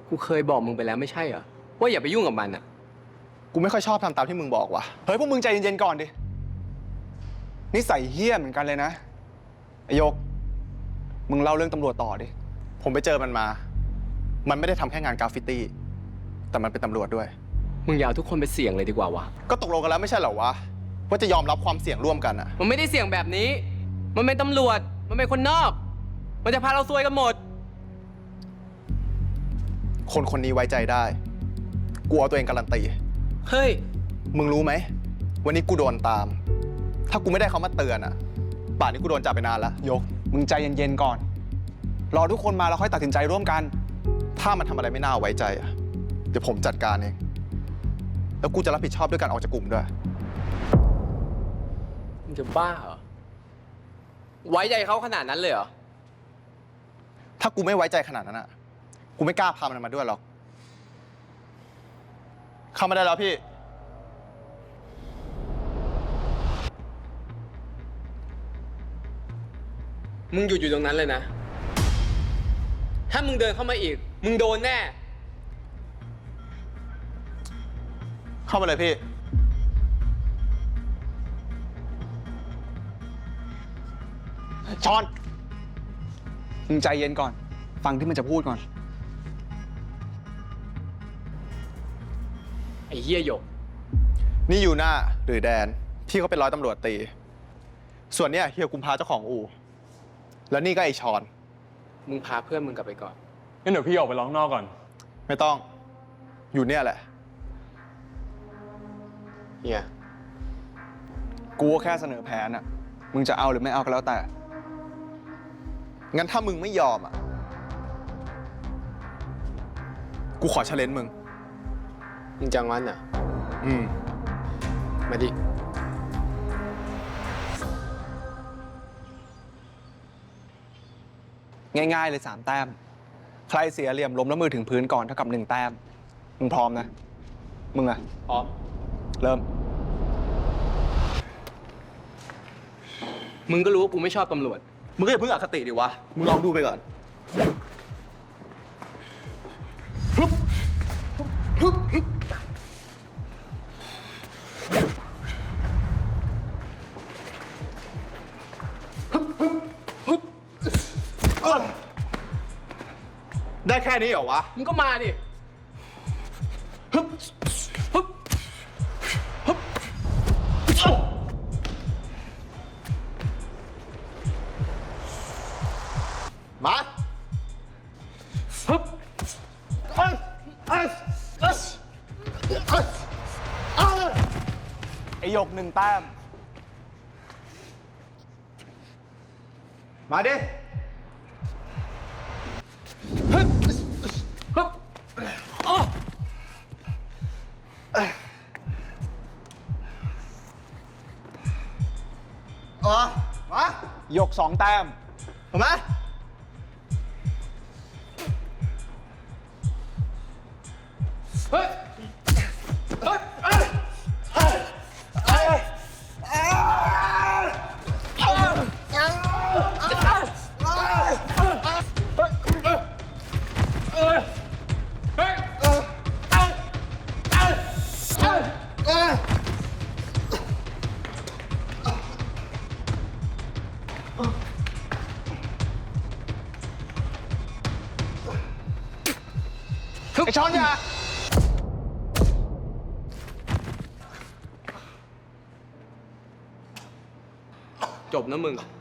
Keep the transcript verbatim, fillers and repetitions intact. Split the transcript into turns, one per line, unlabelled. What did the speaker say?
กูเคยบอกมึงไปแล้วไม่ใช่เหรอว่าอย่าไปยุ่งกับมันอ่ะ
กูไม่ค่อยชอบทำตามที่มึงบอกว่ะเฮ้ยพวกมึงใจเย็นๆก่อนดินิสัยเฮี้ยเหมือนกันเลยนะไอโยกมึงเล่าเรื่องตำรวจต่อดิผมไปเจอมันมามันไม่ได้ทำแค่งานกราฟฟิตี้แต่มันเป็นตำรวจด้วย
มึงอย่าเอาทุกคนไปเสี่ยงเลยดีกว่าวะ
ก็ตกลงกันแล้วไม่ใช่เหรอวะว่าจะยอมรับความเสี่ยงร่วมกันอะ
มันไม่ได้เสี่ยงแบบนี้ มันเป็นตำรวจมันเป็นคนนอกมันจะพาเราซวยกันหมด
คนคนนี้ไว้ใจได้กูเอาตัวเองการันตี
เฮ้ย
มึงรู้ไหมวันนี้กูโดนตามถ้ากูไม่ได้เขามาเตือนอะป่านนี้กูโดนจับไปนานแล้วยกมึงใจเย็นๆก่อนรอทุกคนมาแล้วค่อยตัดสินใจร่วมกันถ้ามันทำอะไรไม่น่าไว้ใจอะเดี๋ยวผมจัดการเองแล้วกูจะรับผิดชอบด้วยการออกจากกลุ่มด้วย
มึงจะบ้าเหรอไว้ใจเขาขนาดนั้นเลยเหรอ
ถ้ากูไม่ไว้ใจขนาดนั้นอะกูไม่กล้าพามันมาด้วยหรอกเข้ามาได้แล้วพี่
มึงหยุดอยู่ตรงนั้นเลยนะถ้ามึงเดินเข้ามาอีกมึงโดนแน่
เข้ามาเลยพี่ชอนมึงใจเย็นก่อนฟังที่มันจะพูดก่อน
ไอ้เหี้ยหยก
นี่ยูน่าหรือแดนพี่เขาเป็นร้อยตำรวจตีส่วนเนี้ยเฮียกุมภาเจ้าของอู่แล้วนี่ก็ไอชอน
มึงพาเพื่อนมึงกลับไปก่อน
งั้นเดี๋ยวพี่ออกไปร้องนอกก่อน
ไม่ต้องอยู่เนี่ยแหละ
เฮีย
กูก็แค่เสนอแผนอะมึงจะเอาหรือไม่เอาก็แล้วแต่งั้นถ้ามึงไม่ยอมอะกูขอเชลเลนจ์มึง
มึงจังวันอ่ะ
อืม
มาดิ
ง่ายๆเลยสามแต้มใครเสียเหลี่ยมล้มแล้วมือถึงพื้นก่อนเท่ากับหนึ่งแต้มมึงพร้อมนะมึงอะ
พร้อม
เริ่ม
มึงก็รู้ว่ากูไม่ชอบตำรวจ
มึงก็อย่าเพิ่งอคติดิวะมึงลองดูไปก่อนได้แค่นี้เหรอวะ
มึงก็มาดิ
มาไอหยกหนึ่งแต้มมาดิอ๋อมาหยกสองแต้มถูกไหมเฮ้ยเฮ้ยเฮ้ยเฮ้ยเฮ้ยเฮ้ยไอ้ช้อนยา
จบนะมึง